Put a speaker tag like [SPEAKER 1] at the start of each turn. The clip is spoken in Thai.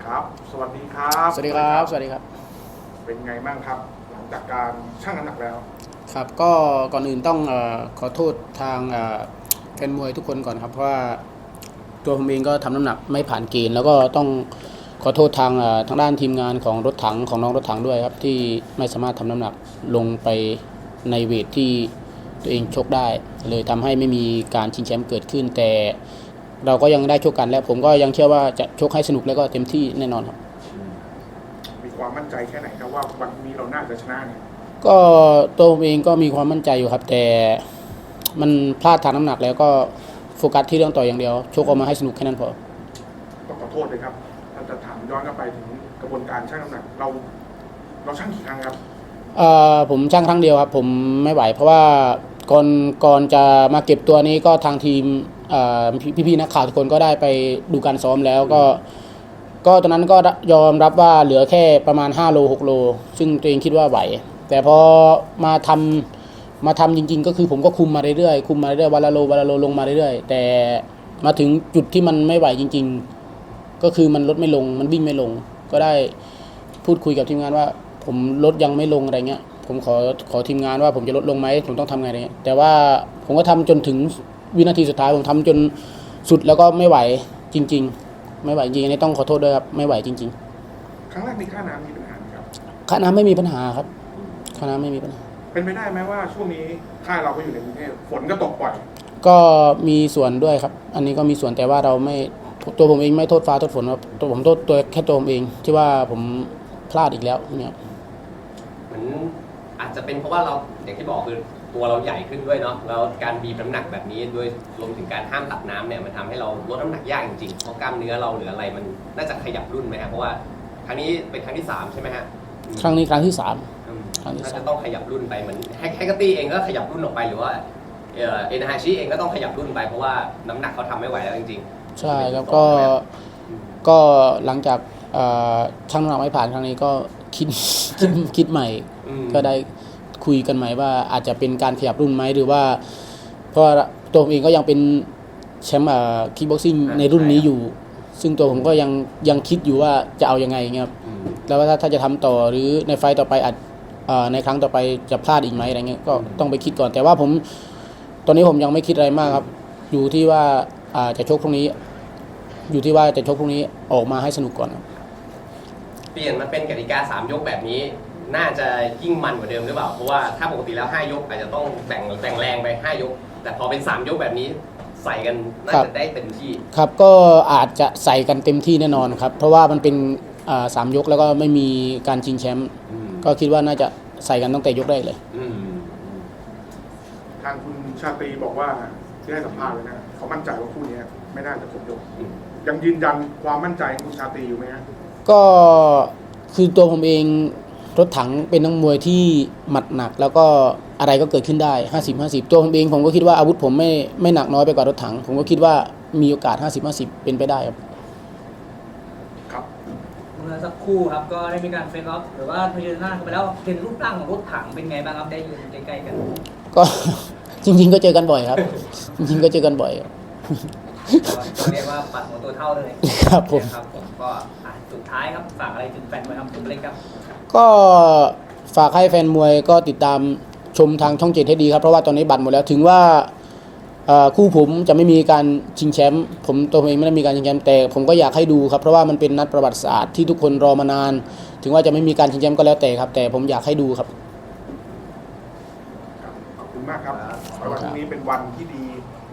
[SPEAKER 1] ครับสวัสดีครับ
[SPEAKER 2] สวัสดีครับสวัสดีครับ
[SPEAKER 1] เป็นไงบ้างครับหลังจากการชั่งน้ำหนักแล้ว
[SPEAKER 2] ครับก็ก่อนอื่นต้องขอโทษทางแฟนมวยทุกคนก่อนครับเพราะว่าตัวผมเองก็ทำน้ำหนักไม่ผ่านเกณฑ์แล้วก็ต้องขอโทษทางด้านทีมงานของรถถังของน้องรถถังด้วยครับที่ไม่สามารถทำน้ำหนักลงไปในเวทที่ตัวเองชกได้เลยทำให้ไม่มีการชิงแชมป์เกิดขึ้นแต่เราก็ยังได้ชกกันและผมก็ยังเชื่อว่าจะชกให้สนุกและก็เต็มที่แน่นอนครับ
[SPEAKER 1] มีความมั่นใจแค่ไหนครับว่าวันนี้เราน่าจะชนะเนี่ย
[SPEAKER 2] ก็ตัวผมเองก็มีความมั่นใจอยู่ครับแต่มันพลาดทางน้ำหนักแล้วก็โฟกัสที่เรื่องต่อยอย่างเดียวชกออกมาให้สนุกแค่นั้นพอ
[SPEAKER 1] ต้องขอโทษเลยครับเราจะถามย้อนกลับไปถึงกระบวนการชั่งน้ำหนักเราชั่งกี่ครั้งครับ
[SPEAKER 2] ผมชั่งครั้งเดียวครับผมไม่ไหวเพราะว่าก่อนจะมาเก็บตัวนี้ก็ทางทีมพี่ๆนักข่าวทุกคนก็ได้ไปดูการซ้อมแล้วก็ตอนนั้นก็ยอมรับว่าเหลือแค่ประมาณ5โล6โลซึ่งตัวเองคิดว่าไหวแต่พอมาทำจริงๆก็คือผมก็คุมมาเรื่อยๆวันละโลลงมาเรื่อยๆแต่มาถึงจุดที่มันไม่ไหวจริงๆก็คือมันลดไม่ลงมันวิ่งไม่ลงก็ได้พูดคุยกับทีมงานว่าผมลดยังไม่ลงอะไรเงี้ยผมขอทีมงานว่าผมจะลดลงไหมผมต้องทำไงอะไรเงี้ยแต่ว่าผมก็ทำจนถึงวินาทีสุดท้ายผมทำจนสุดแล้วก็ไม่ไหวจริงๆไม่ไหวจริงๆอันนี้ต้องขอโทษด้วยครับไม่ไหวจริง
[SPEAKER 1] ๆครั้งแรกมีค่าน้ำมีปัญหาครับ
[SPEAKER 2] ค่าน้ำไม่มีปัญหาครับค่าน้ำไม่มีปัญหา
[SPEAKER 1] เป็นไปได้ไหมว่าช่วงนี้ค่ายเราก็อยู่ในกรุงเทพฝนก็ตกบ่อย
[SPEAKER 2] ก็มีส่วนด้วยครับอันนี้ก็มีส่วนแต่ว่าเราไม่ตัวผมเองไม่โทษฟ้าโทษฝนครับตัวผมโทษตัวแค่ตัวผมเองที่ว่าผมพลาดอีกแล้วเนี่ย
[SPEAKER 3] เหมือนอาจจะเป็นเพราะว่าเราอย่างที่บอกคือตัวเราใหญ่ขึ้นด้วยเนาะแล้วการบีบน้ำหนักแบบนี้ด้วยรวมถึงการห้ามตัดน้ำเนี่ยมันทำให้เราลดน้ำหนักยากจริงๆเพราะกล้ามเนื้อเราหรืออะไรมันน่าจะขยับรุ่นไหมครับเพราะว่าครั้งนี้เป็นครั้งที่3ใช่ไหมฮะ
[SPEAKER 2] ครั้งนี้ครั้งที่3
[SPEAKER 3] น่าจะต้องขยับรุ่นไปเหมือนแฮกเกอร์ตี้เองก็ขยับรุ่นออกไปหรือว่าเอ็นฮาชิเองก็ต้องขยับรุ่นไปเพราะว่าน้ำหนักเขาทำไม่ไหวแล้วจริง
[SPEAKER 2] ๆใช่แล้วก็หลังจากชั่งน้ำหนักไม่ผ่านครั้งนี้ก็คิดใหม่ก็ได้คุยกันใหม่ว่าอาจจะเป็นการขยับรุ่นไหมหรือว่าเพราะตัวผมเองก็ยังเป็นแชมป์คิกบ็อกซิ่งในรุ่นนี้อยู่ซึ่งตัวผมก็ยังคิดอยู่ว่าจะเอายังไงเงี้ยครับแล้วว่าถ้าจะทำต่อหรือในไฟต์ต่อไปอาจในครั้งต่อไปจะพลาดอีกไหมอะไรเงี้ยก็ต้องไปคิดก่อนแต่ว่าตอนนี้ผมยังไม่คิดอะไรมากครับอยู่ที่ว่าจะชกพรุ่งนี้อยู่ที่ว่าจะชกพรุ่งนี้ออกมาให้สนุกก่อน
[SPEAKER 3] เปลี่ยนมาเป็นกติกา3ยกแบบนี้น่าจะยิ่งมันกว่าเดิมหรือเปล่าเพราะว่าถ้าปกติแล้ว5ยกอาจจะต้องแบ่งแรงไป5ยกแต่พอเป็น3ยกแบบนี้ใส่กันน่าจะได้เต็มที่
[SPEAKER 2] ครับก็อาจจะใส่กันเต็มที่แน่นอนครับเพราะว่ามันเป็น3ยกแล้วก็ไม่มีการชิงแชมป์ก็คิดว่าน่าจะใส่กันตั้งแต่ยกแรกเลย
[SPEAKER 1] ทางคุณชาตรีบอกว่าที่ให้สัมภาษณ์เลยนะเขามั่นใจว่าคู่นี้ไม่น่าจะครบยกยังยืนยันความมั่นใจของคุณชาตรีอยู่ไหมฮะ
[SPEAKER 2] ก็คือตัวผมเองรถถังเป็นนักมวยที่หมัดหนักแล้วก็อะไรก็เกิดขึ้นได้50-50ตัวผมเองผมก็คิดว่าอาวุธผมไม่หนักน้อยไปกว่ารถถังผมก็คิดว่ามีโอกาส50-50เป็นไปได้ครับ
[SPEAKER 4] เมื่อสักครู่ครับก็ได้มีการเฟซออฟหรือว่าเผชิญหน้ากันไปแล้วเห็นรูปร่างของรถถังเป็นไงบ้างครับได้ยืนใกล้ๆกัน
[SPEAKER 2] ก็จริงๆก็เจอกันบ่อยครับจริงๆก็เจอกันบ่อย
[SPEAKER 4] เรียกว่าปัดหัวตัวเท่าเลย
[SPEAKER 2] ครับผม
[SPEAKER 4] ก็สุดท้ายครับฝากอะไรถึงแฟนมวยครับคุณเล็กครับ
[SPEAKER 2] ก็ฝากให้แฟนมวยก็ติดตามชมทางช่อง7ให้ดีครับเพราะว่าตอนนี้บัตรหมดแล้วถึงว่าคู่ผมจะไม่มีการชิงแชมป์ผมตัวเองไม่ได้มีการชิงแชมป์แต่ผมก็อยากให้ดูครับเพราะว่ามันเป็นนัดประวัติศาสตร์ที่ทุกคนรอมานานถึงว่าจะไม่มีการชิงแชมป์ก็แล้วแต่ครับแต่ผมอยากให้ดูครับ
[SPEAKER 1] ขอบคุณมากครับวันนี้เป็นวันที่ดี